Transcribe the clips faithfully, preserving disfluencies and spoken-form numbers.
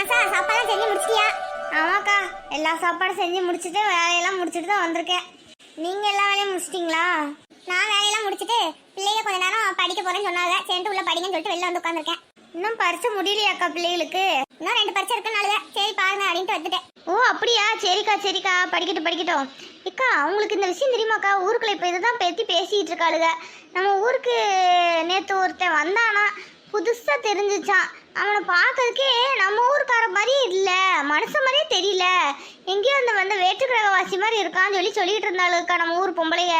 ஆசா சாப்பாடுலாம் செஞ்சு முடிச்சிட்டியா? ஆமாக்கா, எல்லா சாப்பாடும் செஞ்சு முடிச்சுட்டு வேலையெல்லாம் முடிச்சுட்டு தான் வந்திருக்கேன். நீங்க எல்லா வேலையும் முடிச்சிட்டீங்களா? நான் வேலையெல்லாம் முடிச்சுட்டு பிள்ளைங்க கொஞ்ச நேரம் படிக்க போறேன்னு சொன்னாங்க. சேர்ந்து உள்ள படிங்கன்னு சொல்லிட்டு வெளில வந்து உட்காந்துருக்கேன். இன்னும் பரிசு முடியலையாக்கா பிள்ளைகளுக்கு? இன்னும் ரெண்டு பரிசு இருக்குனால சரி பாருங்க அப்படின்ட்டு வந்துட்டேன். ஓ அப்படியா, சரிக்கா சரிக்கா, படிக்கட்டும் படிக்கட்டும். அக்கா உங்களுக்கு இந்த விஷயம் தெரியுமாக்கா? ஊருக்குள்ள இப்போ இதுதான் பற்றி பேசிட்டு இருக்காளுங்க. நம்ம ஊருக்கு நேற்று ஒருத்தன் வந்தானா, புதுசா தெரிஞ்சிச்சான். அவனை பார்க்கறதுக்கே நம்ம ஊருக்கார மாதிரி இல்லை, மனுஷன் மாதிரியே தெரியல, எங்கேயோ அந்த வந்து வேற்றுக்கிழவாசி மாதிரி இருக்கான்னு சொல்லி சொல்லிட்டு இருந்தாளுக்கா நம்ம ஊர் பொம்பளைய.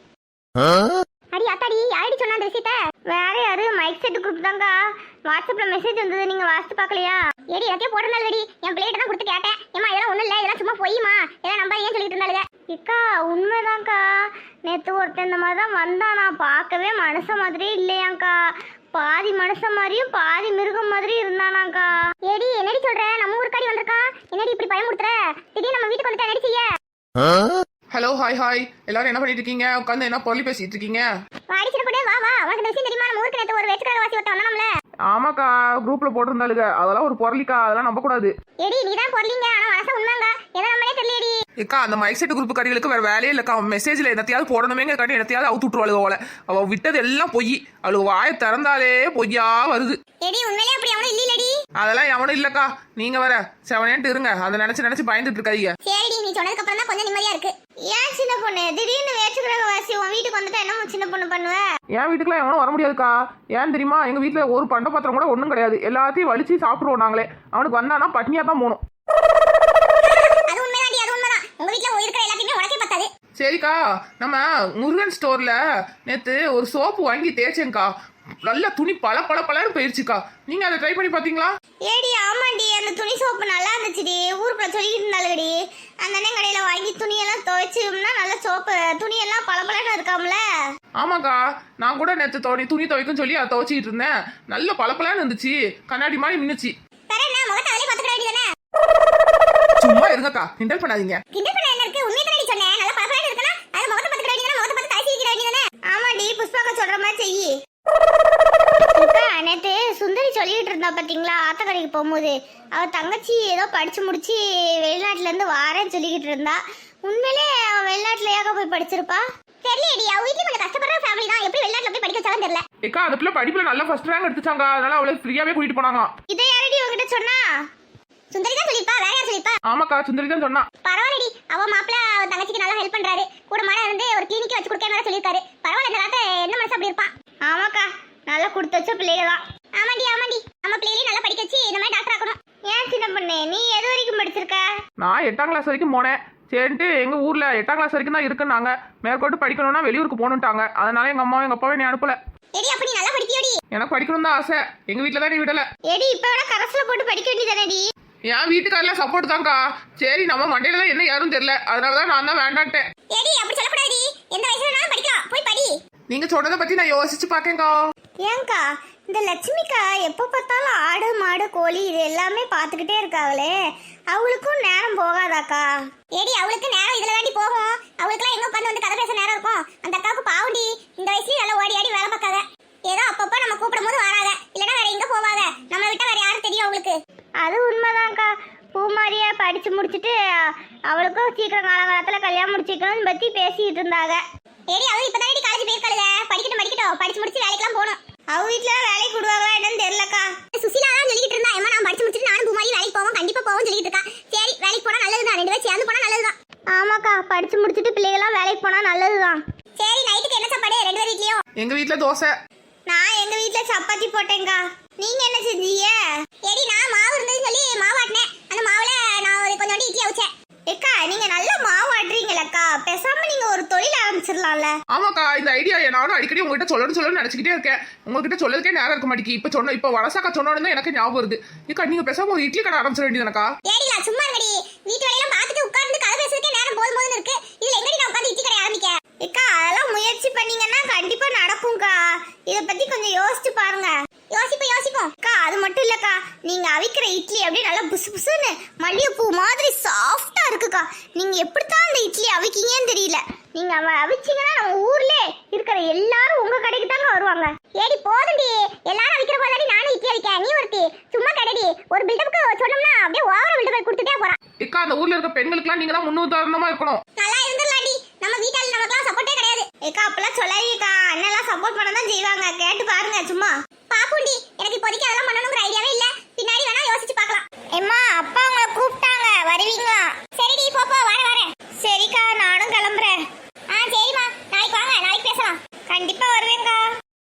அடி அத்தாடி, யாரடி சொன்ன அந்த விஷயத்த? வேற யாரு, மைக் செட் குரூப் தாங்க. வாட்ஸ்அப்ல மெசேஜ் வந்தது, நீங்க வாட்ஸ்அப் பார்க்கலையா? ஏடி எனக்கே போடுறதால வெடி, என் பிள்ளைகிட்ட தான் கொடுத்து கேட்டேன். ஏமா இதெல்லாம் ஒண்ணும் இல்ல, இதெல்லாம் சும்மா பொய்யுமா, இதெல்லாம் நம்ப ஏன் சொல்லிட்டு இருந்தாளுங்க. இக்கா உண்மைதான்க்கா, நேற்று ஒருத்தன் இந்த மாதிரி தான் வந்தானா, பார்க்கவே மனுஷன் மாதிரியே இல்லையாங்க்கா, பாதி மனுஷன் மாதிரியும் பாதி மிருகம் மாதிரி இருந்தானாக்கா. ஏடி என்னடி சொல்ற, நம்ம ஊருக்காடி வந்திருக்கான், என்னடி இப்படி பயமுறுத்துற? திடீர்னு நம்ம வீட்டுக்கு வந்துட்டா என்னடி செய்ய? ஹலோ ஹாய் ஹாய், எல்லாரும் என்ன பண்ணிட்டு இருக்கீங்க? உட்காந்து என்ன பொருளி பேசிட்டு இருக்கீங்க? வாடிச்சிட கூட வா வா, உனக்கு விஷயம் தெரியுமா? நம்ம ஊருக்கு நேத்து ஒரு வெச்சுக்கடவாசி ஒருத்தன் வந்தானம்ல. ஆமாக்கா, குரூப்ல போட்டிருந்தாளுங்க, அதெல்லாம் ஒரு பொருளிக்கா, அதெல்லாம் நம்ப கூடாது. ஏடி நீ தான் பொருளிங்க, ஆனா மனச உண்மைங்க, எதை நம்மளே தெரியலடி. ஏக்கா அந்த மைக் செட் குரூப் கடிகளுக்கு வேற வேலையே இல்லக்கா. மெசேஜ்ல என்னத்தையாவது போடணுமேங்க கட்டி என்னத்தையாவது அவுத்து விட்டுருவாளுக போல. அவ விட்டது எல்லாம் பொய், அவளுக்கு வாயை திறந்தாலே பொய்யா வருது. ஏடி உண்மையிலே அப்படி அவனும் இல்லடி. அதெல்லாம் எவனும் இல்லக்கா, நீங்க வர செவனேன்ட்டு இருங்க, அதை நினைச்சு நினைச்சு பயந்துட்டு இருக்காதீங்க. சரிடி, நீ சொன்னதுக்கு அப்புறம் தான் கொஞ்சம் நிம்மதியா இருக்கு. ஏன் சின்ன பொண்ணு திடீர்னு வேற்றுக்கிழவாசி உன் வீட்டுக்கு வந்துட்டா என்ன சின்ன பொண்ணு பண்ணுவ? என் வீட்டுக்குலாம் எவனும் வர முடியாதுக்கா. ஏன் தெரியுமா, எங்க வீட்டுல ஒரு பண்ட பாத்திரம் கூட ஒண்ணும் கிடையாது, எல்லாத்தையும் வலிச்சு சாப்பிடுவோம் நாங்களே. அவனுக்கு வந்தானா பட்னியா தான் போகணும். அது உண்மைதாண்டி, அது உண்மைதான். உங்க வீட்டுல இருக்கிற எல்லாத்தையுமே உனக்கே பத்தாது. சரிக்கா, நம்ம முருகன் ஸ்டோர்ல நேத்து ஒரு சோப்பு வாங்கி தேய்ச்சேங்க்கா, நல்ல துணி பல பல பலன்னு போயிருச்சுக்கா. நீங்க அதை ட்ரை பண்ணி பாத்தீங்களா? ஏடி ஆமாண்டி, அந்த துணி சோப்பு நல்லா இருந்துச்சுடி, ஊருக்குள்ள சொல்லிட்டு இருந்தாலுடி. அந்த அண்ணன் கடையில வாங்கி துணியெல்லாம் துவைச்சோம்னா நல்ல சோப்பு, துணியெல்லாம் பல பலன்னு இருக்காம்ல. ஆமாக்கா, நான் கூட நேத்து துணி துணி துவைக்கும் சொல்லி அதை துவைச்சிட்டு இருந்தேன், நல்ல பல பலன்னு இருந்துச்சு, கண்ணாடி மாதிரி மின்னுச்சு. சும்மா இருங்கக்கா, கிண்டல் பண்ணாதீங்க. கிண்டல் பண்ண என்ன இருக்கு, உண்மையை தானடி சொன்னேன். நல்ல பல பலன்னு இருக்குனா அது முகத்தை பார்த்து கடிங்க, முகத்தை பார்த்து தாசி வைக்கிற வேண்டியதானே. ஆமாடி, புஷ்பாக்கா சொல்ற மாதிரி செய். அக்கா நேத்து சுந்தரி சொல்லிட்டு இருந்தா பாத்தீங்களா, ஆத்தக்கரைக்கு போகும்போது அவ தங்கச்சி ஏதோ படிச்சு முடிச்சு வெளிநாட்டுல இருந்து வாரேன்னு சொல்லிக்கிட்டு இருந்தா. உண்மையிலே அவ வெளிநாட்டுல ஏக போய் படிச்சிருப்பா? தெரியலடி, அவ வீட்டுல கொஞ்சம் கஷ்டப்படுற ஃபேமிலி தான், எப்படி வெளிநாட்டுல போய் படிக்க வச்சாலும் தெரியல. ஏக்கா அந்த பிள்ளை படிப்புல நல்ல ஃபர்ஸ்ட் ரேங்க் எடுத்துச்சாங்க, அதனால அவளை ஃப்ரீயாவே கூட்டிட்டு போனாங்க. இதை யாரடி உங்ககிட்ட சொன்னா? சுந்தரி தான் சொல்லிப்பா, வேற யார் சொல்லிப்பா? ஆமாக்கா, சுந்தரி தான் சொன்னா. பரவாயில்லடி, அவ மாப்பிள்ள அவ தங்கச்சிக்கு நல்லா ஹெல்ப் பண்றாரு, கூட மாட இருந்து ஒரு கிளினிக் வச்சு கொடுக்கறேன்னு சொல்லிருக்காரு. பரவாயில்ல, இந்த காலத்துல என்ன மனசு அப்படி இருப்பான். ஆமாக்கா, நல்லா கொடுத்து வச்ச பிள்ளைங்க தான். ஆமாண்டி ஆமாண்டி, நம்ம பிள்ளைகளையும் நல்லா படிக்க வச்சு இந்த மாதிரி டாக்டர் ஆக்கணும். ஏன் சின்ன பொண்ணு, நீ எது வரைக்கும் படிச்சிருக்க? நான் எட்டாம் கிளாஸ் வரைக்கும் போனேன். சரின்ட்டு எங்க ஊர்ல எட்டாம் கிளாஸ் வரைக்கும் தான் இருக்குன்னாங்க, மேற்கொண்டு படிக்கணும்னா வெளியூருக்கு போகணுட்டாங்க, அதனால எங்க அம்மாவும் எங்க அப்பாவும் நீ அனுப்பல. ஏடி அப்ப நீ நல்லா படிக்கியோடி? எனக்கு படிக்கணும் தான் ஆசை, எங்க வீட்டுல தான் நீ விடல. ஏடி இப்ப வேணா கரஸ்ல போட்டு படிக்க வேண்டியதானடி? என் வீட்டுக்காரல சப்போர்ட் தான்க்கா. சரி நம்ம மண்டையில தான் என்ன யாரும் தெரியல, அதனாலதான் நான் தான் வேண்டான்ட்டேன். ஏடி அப்படி சொல்லக்கூடாது, எந்த வயசுல வேணாலும் படிக்கலாம், போய் படி. நீங்க சொன்னதை பத்தி நான் யோசிச்சு பாக்கேன்க்கா. ஏங்கா இந்த லட்சுமிக்கா எப்போ பார்த்தாலும் ஆடு மாடு கோழி இது எல்லாமே பார்த்துக்கிட்டே இருக்காங்களே, அவளுக்கும் நேரம் போகாதாக்கா? ஏடி அவளுக்கு நேரம் இதுல தாண்டி போகும், அவளுக்குலாம் எங்க உட்காந்து வந்து கதை பேச நேரம் இருக்கும். அந்த அக்காவுக்கு பாவுண்டி, இந்த வயசுல நல்லா ஓடி ஆடி வேலை பார்க்காத, ஏதோ அப்பப்போ நம்ம கூப்பிடும் போது வராத, இல்லைன்னா வேற எங்க போவாத, நம்மளை விட்டா வேற யாரும் தெரியும் அவளுக்கு. அது உண்மைதான்க்கா, பூமாரியா படிச்சு முடிச்சுட்டு அவளுக்கும் சீக்கிரம் காலகாலத்துல கல்யாணம் முடிச்சுக்கணும்னு பத்தி பேசிட்டு இருந்தாங்க. ஏடி அவ இப்பதானடி காலேஜ் போயிருக்காளுங்க, படிக்கட்டும் படிக்கட்டும், படிச்சு முடிச்சு வேலைக்கெல்லாம் போகணும். அவ வீட்டுல வேலைக்கு விடுவாங்களா என்னன்னு தெரியலக்கா. சுசிலா தான் சொல்லிட்டு இருந்தா, ஏமா நான் படிச்சு முடிச்சுட்டு நானும் பூமாரி வேலைக்கு போவோம், கண்டிப்பா போவோம் சொல்லிட்டு இருக்கா. சரி வேலைக்கு போனா நல்லதுதான், ரெண்டு பேரும் சேர்ந்து போனா நல்லதுதான். ஆமாக்கா, படிச்சு முடிச்சுட்டு பிள்ளைகளாம் வேலைக்கு போனா நல்லதுதான். சரி நைட்டுக்கு என்ன சாப்பாடு ரெண்டு பேர் வீட்லயும்? எங்க வீட்டுல தோசை. நான் எங்க வீட்டுல சப்பாத்தி போட்டேங்கா. நீங்க என்ன செஞ்சீங்க? ஏடி நான் மாவு இருந்ததுன்னு சொல்லி மாவு ஆட்டினேன், அந்த மாவுல நான் ஒரு கொஞ்சோண்டு இட்லி அவிச்சேன். ஏக்கா நீங்க நல்ல மாவு ஆட்டுறீங்களக்கா, பேசாம நீங்க ஒரு தொழில் ஆரம்பிச்சிடலாம்ல. ஆமாக்கா, இந்த ஐடியா நானும் அடிக்கடி உங்ககிட்ட சொல்லணும் சொல்லணும்னு நினைச்சுக்கிட்டே இருக்கேன், உங்ககிட்ட சொல்லதுக்கே நேரம் இருக்க மாட்டேங்கி. இப்ப சொன்ன இப்ப வளசாக்கா சொன்னோன்னு தான் எனக்கு ஞாபகம் வருது. ஏக்கா நீங்க பேசாம ஒரு இட்லி கடை ஆரம்பிச்சிட வேண்டியதுனக்கா. ஏடி நான் சும்மா இருங்கடி, வீட்டு வேலையெல்லாம் பார்த்துட்டு உட்கார்ந்து கதை பேசுறதுக்கே நேரம் போதும் போதுன்னு இருக்கு, இதுல எங்கடி நான் உட்கார்ந்து இட்லி கடை ஆரம்பிக்க? ஏக்கா அதெல்லாம் முயற்சி பண்ணீங்கன்னா கண்டிப்பா நடக்கும்க்கா, இத பத்தி கொஞ்சம் யோசிச்சு பாருங்க. யோசிப்போம் யோசிப்போம் அக்கா. அது மட்டும் இல்லக்கா, நீங்க அவிக்கிற இட்லி அப்படியே நல்லா புசு புசுன்னு மல்லிகைப்பூ மாதிரி சாஃப்டா இருக்குக்கா. நீங்க எப்படித்தான் அந்த இட்லி அவிக்கீங்கன்னு தெரியல. நீங்க அவ அவிச்சீங்கன்னா நம்ம ஊர்ல இருக்கிற எல்லாரும் உங்க கடைக்கு தாங்க வருவாங்க. ஏடி போதும்டி, எல்லாரும் அவிக்கிற போதாடி நானும் இட்லி அவிக்க, நீ ஒருத்தி சும்மா கடைடி. ஒரு பில்டப்புக்கு சொன்னோம்னா அப்படியே ஓவரா விட்டு போய் கொடுத்துட்டே போறான். இக்கா அந்த ஊர்ல இருக்க பெண்களுக்குலாம் நீங்க தான் முன்னுதாரணமா இருக்கணும். நல்லா இருந்துடலாடி, நம்ம வீட்டால நமக்குலாம் சப்போர்ட்டே கிடையாது. ஏக்கா அப்பெல்லாம் சொல்லாதீங்கக்கா, அண்ணெல்லாம் சப்போர்ட் பண்ண தான் செய்வாங்க, கேட்டு பாருங்க சும்மா. பாப்புண்டி, எனக்கு இப்போதைக்கு அதெல்லாம் பண்ணணுங்கிற ஐடியாவே இல்ல, பின்னாடி வேணா யோசிச்சு பார்க்கலாம். எம்மா அப்பா உங்களை கூப்பிட்டாங்க, வருவீங்களா? சரிடி போப்போ, வரேன் வரேன். சரிக்கா நானும் கிளம்புறேன். ஆ சரிம்மா, நாளைக்கு வாங்க, நாளைக்கு பேசலாம். கண்டிப்பா வருவேங்க்கா.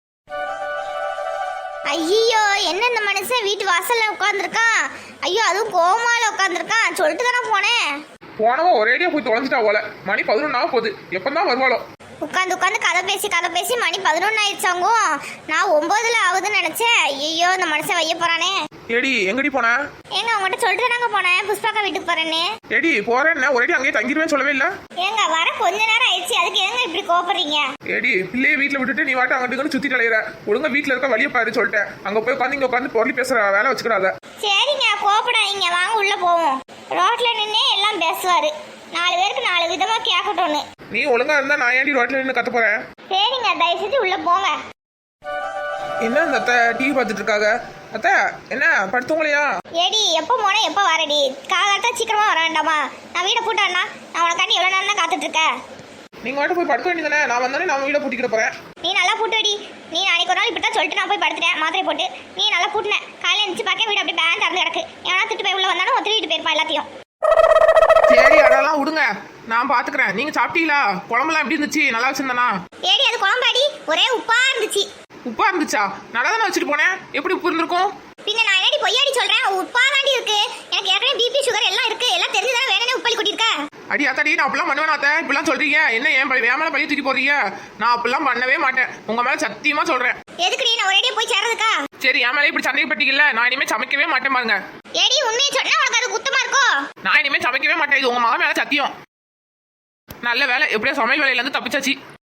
ஐயோ என்ன இந்த மனுஷன் வீட்டு வாசல்ல உட்காந்துருக்கான். ஐயோ அதுவும் கோமால உட்காந்துருக்கான். சொல்லிட்டு தானே போனேன். போனவன் ஒரேடியா போய் தொலைஞ்சிட்டா போல. மணி பதினொன்னா போகுது, எப்பதான் வருவாளோ. உட்காந்து உட்காந்து கதை பேசி கதை பேசி மணி பதினொன்னு ஆயிடுச்சாங்கும். நான் ஒன்பதுல ஆகுதுன்னு நினைச்சேன். ஐயோ இந்த மனுஷன் வைய போறானே. ஏடி எங்கடி போன? ஏங்க உங்ககிட்ட சொல்லிட்டு தானங்க போனேன், புஷ்பாக்கா வீட்டுக்கு போறேன்னு. ஏடி போறேன்னு ஒரேடி அங்கேயே தங்கிடுவேன்னு சொல்லவே இல்ல. ஏங்க வர கொஞ்ச நேரம் ஆயிடுச்சு, அதுக்கு ஏங்க இப்படி கோபப்படுறீங்க? ஏடி பிள்ளைய வீட்டுல விட்டுட்டு நீ வாட்ட அங்கிட்டு சுத்தி தலையிற. ஒழுங்கா வீட்டுல இருக்க வழிய பாரு சொல்லிட்டேன். அங்க போய் உட்காந்து இங்க உட்காந்து பொருளி பேசுற வேலை வச்சுக்கிறாத. சரிங்க கோபப்படாதீங்க, வாங்க உள்ள போவோம். ரோட்ல நின்னே எல்லாம் பேசுவாரு, நாலு பேருக்கு நாலு விதமா கேட்கட்டும்னு. நீ ஒழுங்கா இருந்தா நான் ஏன்டி ரோட்ல நின்று கத்த போறேன்? சரிங்க தயவு செஞ்சு உள்ள போங்க. என்ன இந்த அத்தை டிவி பார்த்துட்டு இருக்காங்க? அத்தை என்ன படுத்துவங்களையா? ஏடி எப்போ போனா எப்போ வரடி? காலாட்டா சீக்கிரமா வர வேண்டாமா? நான் வீடை பூட்டாண்ணா, நான் உனக்காண்டி எவ்வளோ நேரம் காத்துட்டு இருக்கேன். நீங்க வாட்டு போய் படுக்க வேண்டியதானே? நான் வந்தானே நான் வீட பூட்டிக்கிட போறேன். நீ நல்லா பூட்டுடி. நீ நாளைக்கு ஒரு நாள் இப்படி தான் சொல்லிட்டு நான் போய் படுத்துட்டேன் மாத்திரை போட்டு. நீ நல்லா பூட்டின, காலையில் எழுந்துச்சு பார்க்க வீடு அப்படியே பேன் திறந்து கிடக்கு. எவனா திட்டு போய் உள்ள வந்தாலும் ஒத்துட்டு போயிருப்பா எல்லாத்தையும். சரி அதெல்லாம் விடுங்க, நான் பாத்துக்கிறேன். நீங்க சாப்பிட்டீங்களா? குழம்புலாம் எப்படி இருந்துச்சு? நல்லா வச்சிருந்தானா? ஏடி அது குழம்பாடி, ஒரே உப்பா இருந்துச்சு. உப்பா இருந்துச்சா? நல்லா தானே வச்சுட்டு போனேன், எப்படி உப்பு இருந்திருக்கும்? பின்ன நான் என்னடி பொய்யாடி சொல்றேன்? உப்பா தாண்டி இருக்கு. எனக்கு ஏற்கனவே பிபி சுகர் எல்லாம் இருக்கு, எல்லாம் தெரிஞ்சுதானே வேணும்னே உப்பளி கொட்டிருக்க. அடி அத்தாடி நான் அப்படிலாம் பண்ணுவேன் அத்தை. இப்படிலாம் சொல்றீங்க என்ன? என் பழைய மேல பழைய தூக்கி போறீங்க? நான் அப்படிலாம் பண்ணவே மாட்டேன், உங்க மேல சத்தியமா சொல்றேன். எதுக்குடி நான் ஒரேடியா போய் சேர்றதுக்கா? சரி என் மேல இப்படி சந்தேகப்பட்டீங்கல்ல, நான் இனிமே சமைக்கவே மாட்டேன் பாருங்க. ஏடி உண்மையை சொன்னா உனக்கு அது குத்தமா இருக்கோ? நான் இனிமே சமைக்கவே மாட்டேன், இது உங்க மகன் மேல சத்தியம். நல்ல வேலை, எப்படியோ சமையல் வேலையில இருந்து தப்பிச்சாச்சு.